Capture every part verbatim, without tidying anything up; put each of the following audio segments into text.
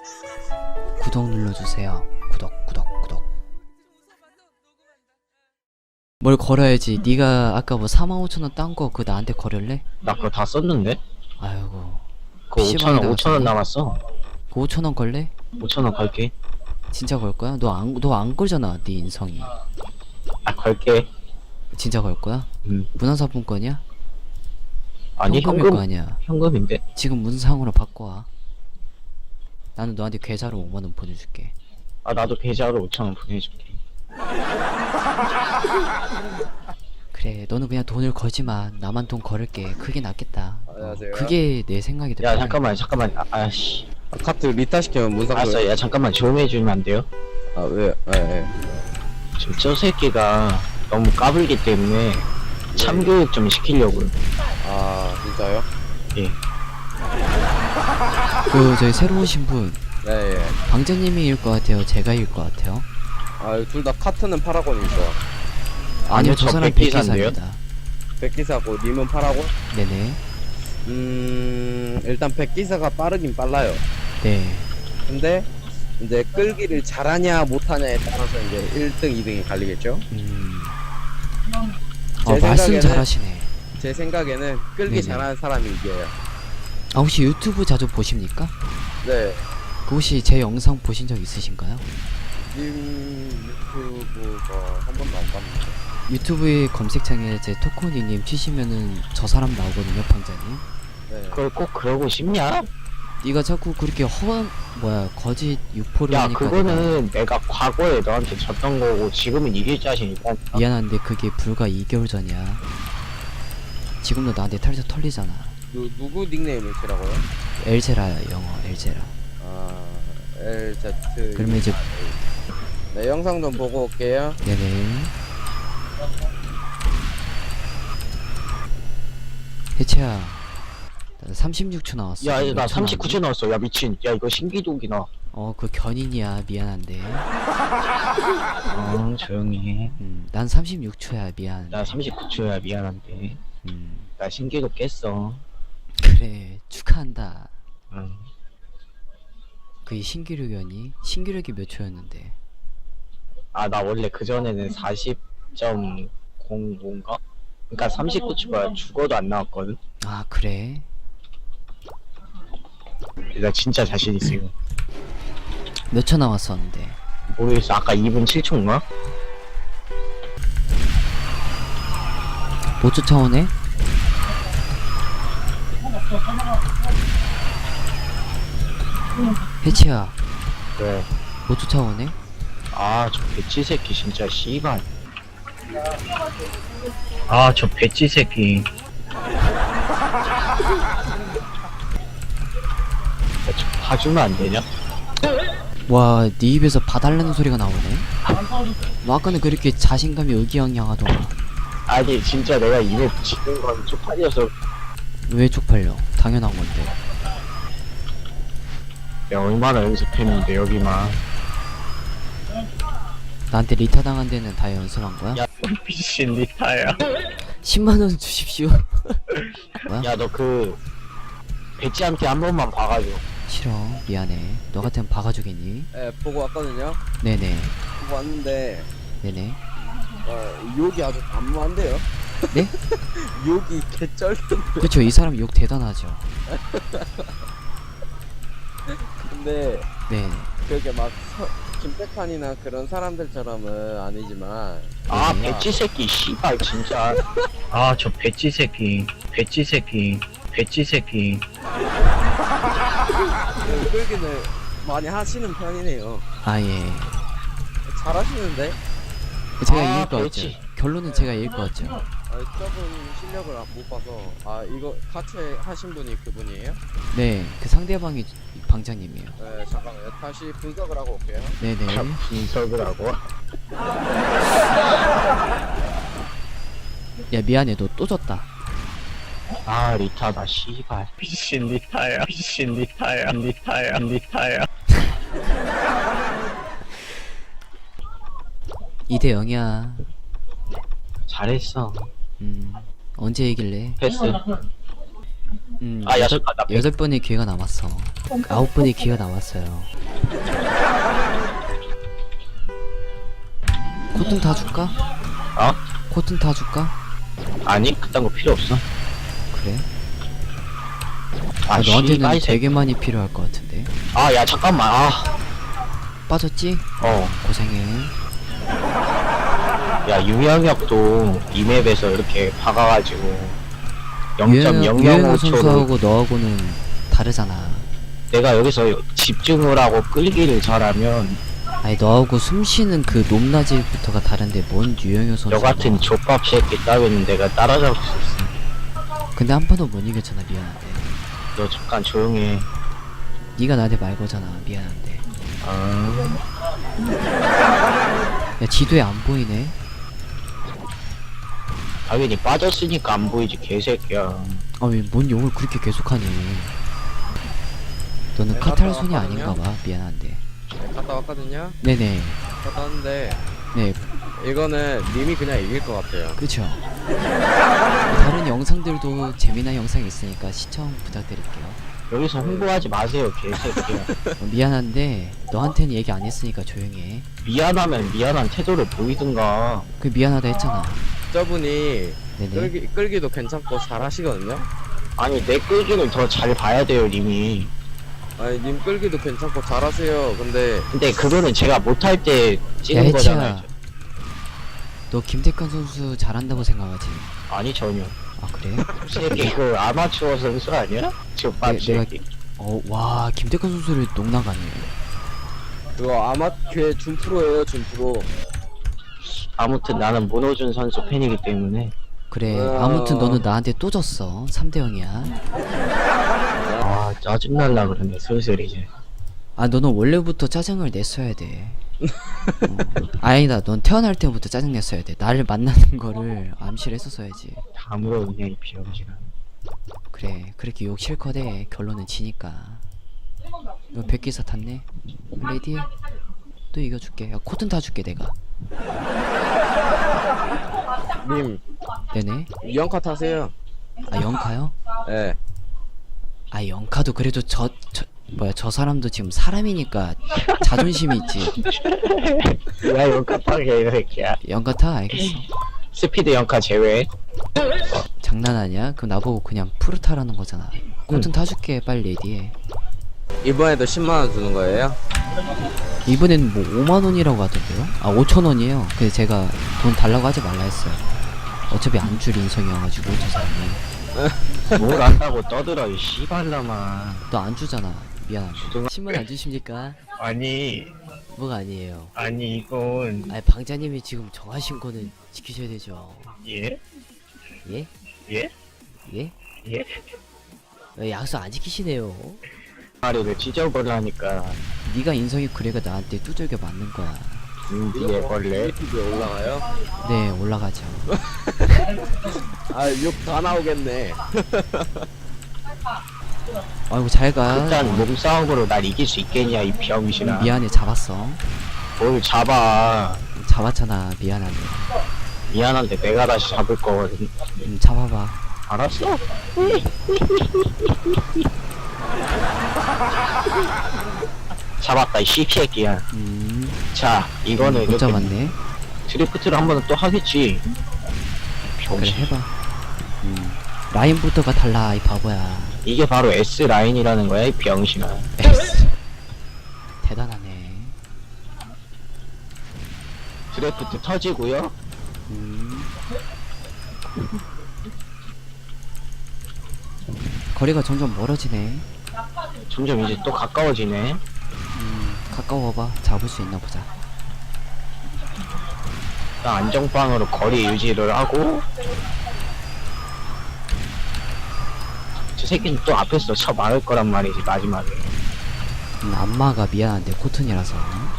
구독 눌러주세요. 구독 구독 구독. 뭘 걸어야지. 네가 아까 뭐 사만 오천원 딴 거 그거 나한테 걸을래? 나 그거 다 썼는데? 아이고 그거 오천원, 오천원 남았어. 그 오천원 걸래? 오천원 걸게. 진짜 걸 거야? 너 안 너 안 걸잖아. 네 인성이. 아, 걸게. 진짜 걸 거야? 음. 문화사품권이야? 아니, 현금일 현금, 거 아니야. 현금인데? 지금 문상으로 바꿔와. 나는 너한테 계좌로 오만원 보내줄게. 아, 나도 계좌로 오천원 보내줄게. 그래, 너는 그냥 돈을 걸지 마. 나만 돈 걸을게. 그게 낫겠다. 안녕하세요. 그게 내 생각이 야, 들어. 잠깐만, 잠깐만. 아, 아씨. 아, 카트 리타 시키면 문상. 알았어, 야, 잠깐만. 조용히 해주면 안 돼요? 아, 왜? 예, 예. 지금 저 새끼가 너무 까불기 때문에 참교육 좀 시키려고요. 아, 진짜요? 예. 그 저희 새로 오신 분 네, 예. 방자님이일 것 같아요? 제가일 것 같아요? 아, 둘 다 카트는 파라곤이죠. 아니요, 아니요, 저 저 사람 백기사인데요? 백기사입니다. 백기사고 님은 파라곤? 네네. 음, 일단 백기사가 빠르긴 빨라요. 네. 근데 이제 끌기를 잘하냐 못하냐에 따라서 이제 일 등, 이 등이 갈리겠죠? 음. 제 어, 말씀 생각에는- 잘하시네. 제 생각에는 끌기 네네. 잘하는 사람이 이겨요. 아, 혹시 유튜브 자주 보십니까? 네. 그 혹시 제 영상 보신 적 있으신가요? 님 유튜브가 한 번도 안 봤는데. 유튜브의 검색창에 제 토코니님 치시면은 저 사람 나오거든요, 방자님. 네. 그걸 꼭 그러고 싶냐? 네가 자꾸 그렇게 허 뭐야 거짓 유포를 야, 하니까 그거는 내가 과거에 너한테 졌던 거고 지금은 이길 자신 있다. 내가 미안한데 그게 불과 이 개월 전이야. 지금도 나한테 털털 털리잖아. 누, 누구 닉네임을 치라고요? 엘제라 영어 엘제라. 아, 엘제트. 그러면 이제 네, 영상 좀 보고 올게요. 네네. 해체야. 나 삼십육 초 나왔어. 야, 몇 나 초 삼십구 초 나왔니? 나왔어. 야, 미친. 야, 이거 신기록이나. 어, 그 견인이야. 미안한데. 어, 조용히 해. 음, 난 삼십육 초야. 미안. 나 삼십구 초야. 미안한데. 음, 나 신기록 깼어. 그래. 축하한다. 응. 그게 신기록이었니? 신기록이 몇 초였는데? 아, 나 원래 그전에는 사십 점 공오인가? 그니까 삼십구 초가 죽어도 안 나왔거든? 아, 그래? 나 진짜 자신 있어, 이거. 몇 초 남았었는데? 모르겠어. 아까 이 분 칠 초인가? 못 쫓아오네? 해치야, 그래. 못 쫓아오네? 아, 저 배치 새끼 진짜 씨발. 아, 저 배치 새끼. 야, 저 봐주면 안 되냐? 와, 네 입에서 봐달라는 소리가 나오네? 뭐 아까는 그렇게 자신감이 의기양양하더만. 아니, 진짜 내가 입에 붙이는 건 쪽팔려서. 왜 쪽팔려? 당연한 건데. 내가 얼마나 연습했는데, 여기만. 나한테 리타 당한 데는 다 연습한 거야? 야, 미친 리타야. 십만원 주십시오. 뭐야? 야, 너 그, 배치한테 한 번만 봐가줘. 싫어. 미안해. 너 같으면 박아주겠니? 예, 보고 왔거든요. 네네. 보고 왔는데, 네네. 어, 욕이 아주 단무한데요? 네? 욕이 개쩔던데. 그쵸, 이 사람 욕 대단하죠. 근데, 네. 그게 막, 서, 김백환이나 그런 사람들처럼은 아니지만, 아, 그러구나. 배치 새끼, 씨발, 진짜. 아, 저 배치 새끼. 배치 새끼. 배치 새끼. 그 끌기를 많이 하시는 편이네요. 아, 예. 잘하시는데? 제가 아, 이길 것 같죠? 그렇지. 결론은 제가 이길 것 같죠? 아, 저분 실력을 안- 못 봐서. 아, 이거 같이 하신 분이 그분이에요? 네. 그 상대방이 방장님이에요. 네, 잠깐만요. 다시 분석을 하고 올게요. 네네. 참 분석을 하고. 야, 미안해. 너 또 졌다. 아, 리타다, 씨발. 미친 리타야. 미친 리타야. 리타야. 리타야. 이 대 영이야. 잘했어. 음. 언제 이길래? 패스. 음, 아, 야, 여덟, 잠깐, 나 백- 여덟 번의 기회가 남았어. 아홉 번의 기회가 남았어요. 코튼 다 줄까? 어? 코튼 다 줄까? 아니 그딴 거 필요 없어. 그래? 아, 아, 너한테는 씨발, 이 새끼. 되게 많이 필요할 것 같은데. 아, 야, 잠깐만. 아, 빠졌지? 어. 고생해. 야, 유영혁도 이 맵에서 이렇게 박아가지고 유현우 영점영영오 초로 선수하고 너하고는 다르잖아. 내가 여기서 집중을 하고 끌기를 잘하면 아니 너하고 숨쉬는 그 높낮이부터가 다른데 뭔 유영효 선수. 너 같은 족밥 새끼 따위는 내가 따라잡을 수 있어. 근데 한 번도 못 이겼잖아. 미안한데. 너 잠깐 조용해. 네가 나한테 말 거잖아. 미안한데. 아, 야 지도에 안 보이네. 당연히 빠졌으니까 안 보이지 개새끼야. 아왜 뭔 욕을 그렇게 계속하니. 너는 네, 카탈 갔다 손이 왔거든요? 아닌가봐. 미안한데. 갔다 왔거든요. 네네. 갔다 왔는데 네 이거는 님이 그냥 이길 것 같아요. 그쵸. 다른 영상들도 재미난 영상이 있으니까 시청 부탁드릴게요. 여기서 홍보하지 마세요 개새끼야. 어, 미안한데 너한테는 얘기 안 했으니까 조용히 해. 미안하면 미안한 태도를 보이든가. 그 미안하다 했잖아. 저분이 네네. 끌기, 끌기도 괜찮고 잘하시거든요. 아니 내 끌기는 더 잘 봐야 돼요 님이. 아니 님 끌기도 괜찮고 잘하세요. 근데 근데 그거는 제가 못할 때 야 찍은 해치야. 거잖아요. 너 김태칸 선수 잘한다고 생각하지? 아니 전혀. 아 그래? 새끼 그 아마추어 선수 아니야? 족밥 네, 내가- 새끼. 어 와 김태칸 선수를 농나가네. 그거 아마추어 준프로예요 준프로. 아무튼 나는 문호준 선수 팬이기 때문에. 그래 어. 아무튼 너는 나한테 또 졌어. 삼 대 영이야. 아 짜증날라 그러네 슬슬 이제. 아 너는 원래부터 짜증을 냈어야 돼. 어. 아니다 넌 태어날 때부터 짜증 냈어야 돼. 나를 만나는 거를 암시를 했었어야지. 다 물어보냐 이 비영지가. 그래 그렇게 욕 실컷 해. 결론은 지니까. 너 백기사 탔네? 레디? 또 이겨줄게. 야 코튼 타줄게 내가. 님 네네. 이영카 타세요. 아 영카요? 예. 아 영카도 그래도 저, 저 뭐야 저 사람도 지금 사람이니까 자존심이 있지. 야 영카파게 이 새끼야. 영카 타 알겠어. 스피드 영카 제외. 장난하냐? 그럼 나보고 그냥 프루 타라는 거잖아. 코튼 타줄게 빨리 레디해. 이번에도 십만 원 주는 거예요? 이번엔 뭐 오만 원이라고 하던데요? 아 오천 원이에요. 근데 제가 돈 달라고 하지 말라 했어요. 어차피 안 줄 인성이어가지고 저 사람이. 뭘 안다고 떠들어 이 씨발놈아. 너 안 주잖아. 미안. 주둥아. 신문 안 주십니까? 아니 뭐가 아니에요. 아니 이건 아니 방자님이 지금 정하신 거는 지키셔야 되죠. 예? 예? 예? 예? 예? 왜 약속 안 지키시네요. 마리를 찢어버리니까 네가 인성이 그래가 나한테 두들겨 맞는 거야. 인디에 벌레. 유튜브에 올라가요? 네 올라가죠. 아 욕 다 나오겠네. 아이고 잘가. 일단 몸싸움으로 날 이길 수 있겠냐 이 병신아. 미안해 잡았어. 뭘 잡아. 잡았잖아. 미안한데. 미안한데 내가 다시 잡을 거거든. 음 잡아봐. 알았어? 잡았다 이 씨새끼야. 음. 자 이거는 못 이렇게 잡았네. 드리프트를 한 번은 또 하겠지. 그래 병신. 해봐. 음. 라인부터가 달라 이 바보야. 이게 바로 S 라인이라는 거야 이 병신아. 에이씨. 대단하네. 드래프트 터지고요. 음. 거리가 점점 멀어지네. 점점 이제 또 가까워지네. 음. 가까워봐. 잡을 수 있나 보자. 나 안정빵으로 거리 유지를 하고. 저 새끼는 또 앞에서 쳐 막을 거란 말이지 마지막에. 음, 안마가 미안한데 코튼이라서.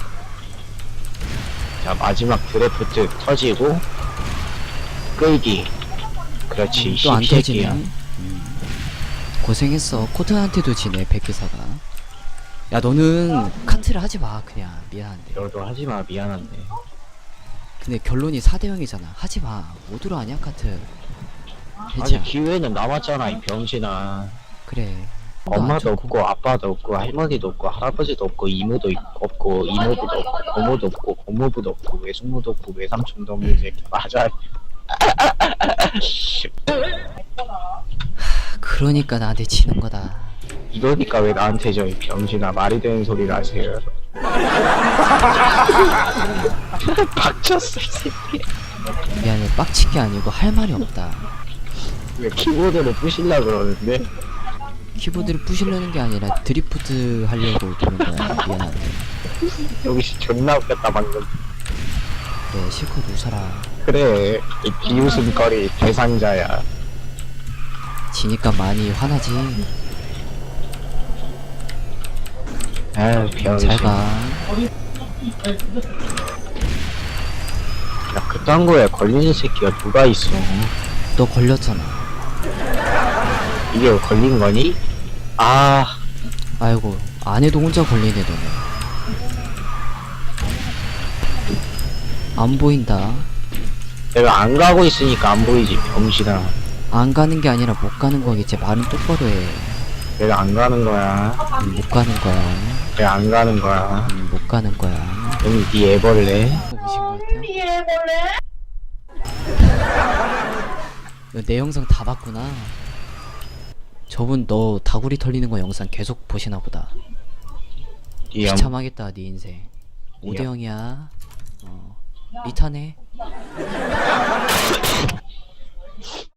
자 마지막 드래프트 터지고 끌기. 그렇지 음, 또 안 터지네. 십새끼야. 음. 고생했어. 코튼한테도 지네 백기사가. 야 너는 카트를 하지마 그냥. 미안한데. 너도 하지마 미안한데. 근데 결론이 사 대 영이잖아. 하지마. 어디로 하냐 카트. 해자. 아니 기회는 남았잖아 이 병신아. 그래. 엄마도 안 좋고. 없고 아빠도 없고 할머니도 없고 할아버지도 없고 이모도 있- 없고 이모부도 없고 고모도 없고 고모부도 없고 외숙모도 없고 외삼촌도 없는 새끼 맞아. 그러니까 나한테 치는 거다. 이러니까 왜 나한테 저 이 병신아 말이 되는 소리를 하세요. 박쳤어 이 새끼. 미안해, 빡친 게 아니고 할 말이 없다. 왜 키보드를 부실라 그러는데? 키보드를 부시려는 게 아니라 드리프트 하려고 도는 거야. 미안한데. 여기서 존나 웃겼다 방금. 그래, 실컷 웃어라. 그래 이 비웃음거리 대상자야. 지니까 많이 화나지. 아유 병신. 잘 가. 야 그딴 거에 걸리는 새끼가 누가 있어. 너 걸렸잖아. 이게 걸린 거니? 아 아이고, 아내도 혼자 걸리네, 너네. 안 보인다. 내가 안 가고 있으니까 안 보이지 병신아. 안 가는 게 아니라 못 가는 거겠지. 말은 똑바로 해. 내가 안 가는 거야. 음, 못 가는 거야. 내가 안 가는 거야. 음, 못 가는 거야. 여기 네 애벌레. 보신 거 같아요? 너 내 영상 다 봤구나. 저분 너 다구리 털리는 거 영상 계속 보시나 보다. 네 영. 비참하겠다 네 인생. 오 대 영이야. 어. 리타네.